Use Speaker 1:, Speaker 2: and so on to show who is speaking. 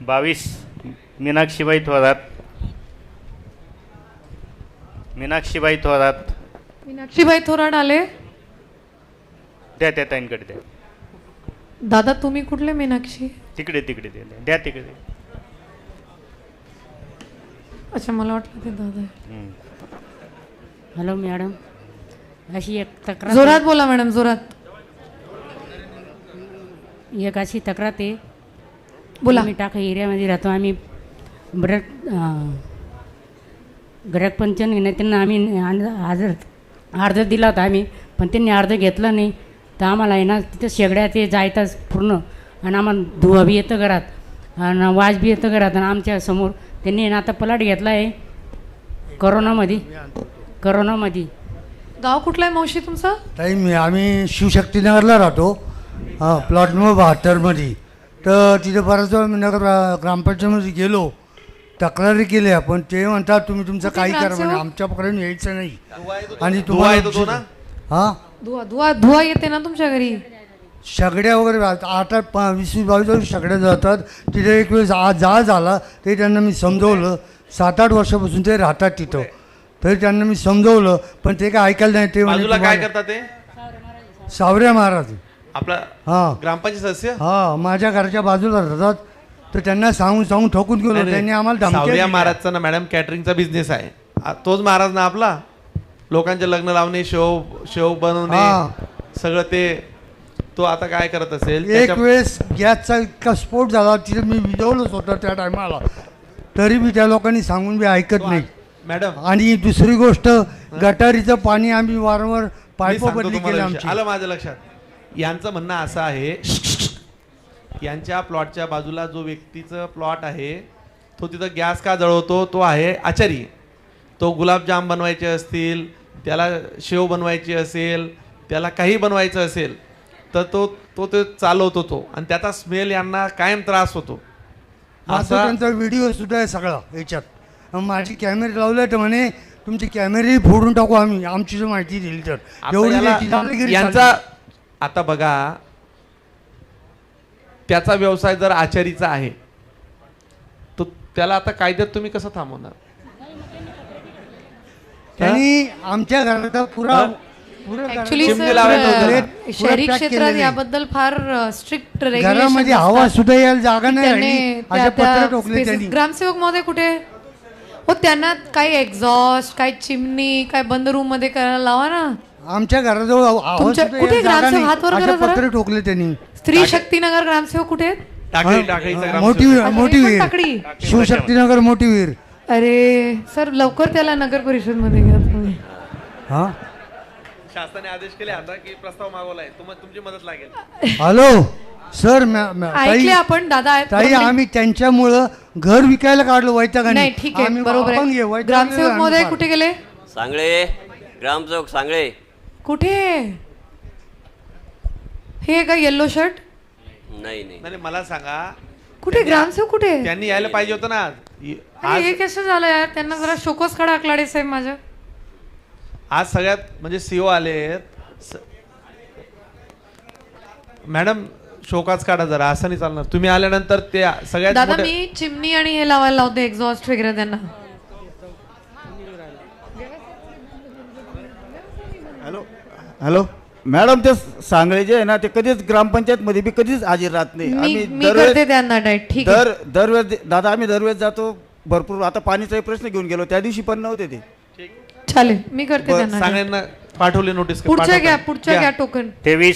Speaker 1: 22 मीनाक्षीबाई थोरात. मीनाक्षीबाई थोरात.
Speaker 2: मीनाक्षीबाई थोरात आले.
Speaker 1: द्या त्या ताईंकडे द्या.
Speaker 2: दादा तुम्ही कुठले मीनाक्षी?
Speaker 1: तिकडे तिकडे द्या द्या तिकडे.
Speaker 2: अच्छा मला वाटलं ते दादा आहे.
Speaker 3: हॅलो मॅडम, अशी एक तक्रार
Speaker 2: जोरात बोला मॅडम, जोरात
Speaker 3: एक अशी तक्रार आहे.
Speaker 2: बोला.
Speaker 3: आम्ही टाका एरियामध्ये राहतो. आम्ही बरं ग्राहक पंचन घेण्यात त्यांना आम्ही अर्ज दिला होता आम्ही, पण त्यांनी अर्ज घेतला नाही. तर आम्हाला आहे ना तिथं शेगड्या ते जायताच पूर्ण, आणि आम्हाला धुवा बी येतं घरात आणि वाज बी येतं घरात. आणि आमच्या समोर त्यांनी ना आता पलाट घेतला आहे करोनामध्ये.
Speaker 2: गाव कुठला आहे मावशी तुमचं?
Speaker 4: ताई आम्ही शिवशक्तीनगरला राहतो, प्लॉट नंबर 72मध्ये. तर तिथे बऱ्याच वेळा मी नगर ग्रामपंचायतमध्ये गेलो, तक्रारी केल्या, पण ते म्हणतात तुम्ही तुमचं काही करा म्हणे, आमच्याकडून यायचं नाही. आणि तुम्हाला हां
Speaker 2: धुवा येते ना तुमच्या घरी?
Speaker 4: सगड्या वगैरे 8-20-22 सगड्या जातात तिथे. एक वेळेस जाळ झाला तरी त्यांना मी समजवलं. 7-8 वर्षापासून ते राहतात तिथं, तरी त्यांना मी समजवलं, पण ते काय ऐकायला नाही. ते
Speaker 5: बाजूला काय करतात ते?
Speaker 4: सावऱ्या महाराज
Speaker 5: आपला
Speaker 4: हां
Speaker 5: ग्रामपंचायत सदस्य
Speaker 4: हां माझ्या घराच्या बाजूला राहतात. तर त्यांना सांगून ठोकून गेलो. त्यांनी आम्हाला
Speaker 5: सावरिया
Speaker 4: धमक्या
Speaker 5: महाराजचा ना मॅडम कॅटरिंगचा बिझनेस आहे. तोच महाराज ना आपला, लोकांचे लग्न लावणे, शेव बनवणे सगळं ते. तो आता काय करत असेल?
Speaker 4: एक वेळेस गॅसचा इतका स्फोट झाला, तिथे मी विजवलंच होतं त्या टायमाला, तरी बी त्या लोकांनी सांगून बी ऐकत नाही
Speaker 5: मॅडम.
Speaker 4: आणि दुसरी गोष्ट, गटारीचं पाणी आम्ही वारंवार
Speaker 5: मी
Speaker 4: पाईप
Speaker 5: सांगतो
Speaker 4: बदली
Speaker 5: तुम्हाला
Speaker 4: केली
Speaker 5: विषय.
Speaker 4: आमची.
Speaker 5: आलं माझ्या लक्षात. यांचं म्हणणं असं आहे, यांच्या प्लॉटच्या बाजूला जो व्यक्तीचं प्लॉट आहे तो तिथं गॅस का जळवतो, तो आहे आचारी. तो गुलाबजाम बनवायचे असतील, त्याला शेव बनवायची असेल, त्याला काही बनवायचं असेल, तर तो ते चालवतो तो, आणि त्याचा स्मेल यांना कायम त्रास होतो.
Speaker 4: माझा त्यांचा व्हिडिओ सुद्धा आहे सगळा याच्यात. माझी कॅमेरे लावले तर म्हणे तुमचे कॅमेरे फोडून टाकू आम्ही, आमची जर माहिती दिली तर. एवढी
Speaker 5: यांचा आता बघा, त्याचा व्यवसाय जर आचारीचा आहे तो त्याला आता कायद्यात तुम्ही कसं थांबवणार?
Speaker 4: त्यांनी आमच्या घराचा पुरा
Speaker 2: ऍक्च्युली
Speaker 5: चिमणी लावायचं होतं.
Speaker 2: शहरी क्षेत्रात याबद्दल फार स्ट्रिक्ट
Speaker 4: घरामध्ये हवा सुद्धा यायला जागा नाही राहिली. अशा पत्र ठोकले त्यांनी.
Speaker 2: ग्रामसेवक मध्ये कुठे हो? त्यांना काही एक्झॉस्ट, काही चिमणी, काय बंद रूम मध्ये करायला लावा ना.
Speaker 4: आमच्या घराजवळ आवाज
Speaker 2: तुमच्या
Speaker 4: सुद्धा
Speaker 2: कुठे
Speaker 4: यायला जागा
Speaker 2: ग्रामसेवक?
Speaker 4: नाही.
Speaker 2: हात वर
Speaker 4: अशा
Speaker 2: करा जरा.
Speaker 4: पत्र ठोकले त्यांनी.
Speaker 2: स्त्री शक्तीनगर ग्रामसेवक कुठे आहेत?
Speaker 5: टाकळीचा
Speaker 4: मोठी
Speaker 5: ग्रामसेवक.
Speaker 4: विहीर,
Speaker 2: टाकळी.
Speaker 4: शिवशक्तीनगर मोठी विहीर.
Speaker 2: अरे सर, लवकर त्याला नगर परिषद मध्ये घ्या तुम्ही.
Speaker 4: हा
Speaker 5: शासनाने आदेश केले आता की प्रस्ताव मागवलाय, तुमची मदत लागेल.
Speaker 4: हॅलो सर,
Speaker 2: ऐकले आपण दादा आहेत.
Speaker 4: ताई आम्ही त्यांच्यामुळं घर विकायला काढलो वैतागाने.
Speaker 2: नाही ठीक आहे, बरोबर आहे. ग्रामसेवक मध्ये कुठे गेले?
Speaker 6: सांगळे, ग्रामसेवक सांगळे.
Speaker 2: कुठे हे का येल्लो शर्ट?
Speaker 6: नाही नाही
Speaker 5: नाही मला सांगा,
Speaker 2: कुठे ग्रामसेवक कुठे?
Speaker 5: त्यांनी यायला पाहिजे होतं ना
Speaker 2: अरे हे कसं झालं यार? त्यांना जरा शोकस खडा आकलाडे साहेब माझ्या.
Speaker 5: आज सगळ्यात म्हणजे सीओ आले. मॅडम शोकाच काढा जरा, असं नाही चालणार. तुम्ही आल्यानंतर ते सगळ्यात
Speaker 2: दादा मी चिमणी आणि हे लावायला लावते, एक्झॉस्ट वगैरे त्यांना.
Speaker 7: हॅलो मॅडम, ते सांगळे जे आहे ना, ते कधीच ग्रामपंचायत मध्ये बी कधीच हजर राहत नाही.
Speaker 2: मी करते त्यांना डायट. ठीक आहे
Speaker 7: दरवेळेस दादा आम्ही दरवेळेस जातो भरपूर. आता पाणीचाही प्रश्न घेऊन गेलो, त्या दिवशी पण नव्हते ते.
Speaker 2: चालेल, मी करते त्यांना.
Speaker 5: सांगण्यांना पाठवले नोटीस.
Speaker 2: पुढच्या घ्या टोकन.
Speaker 1: 23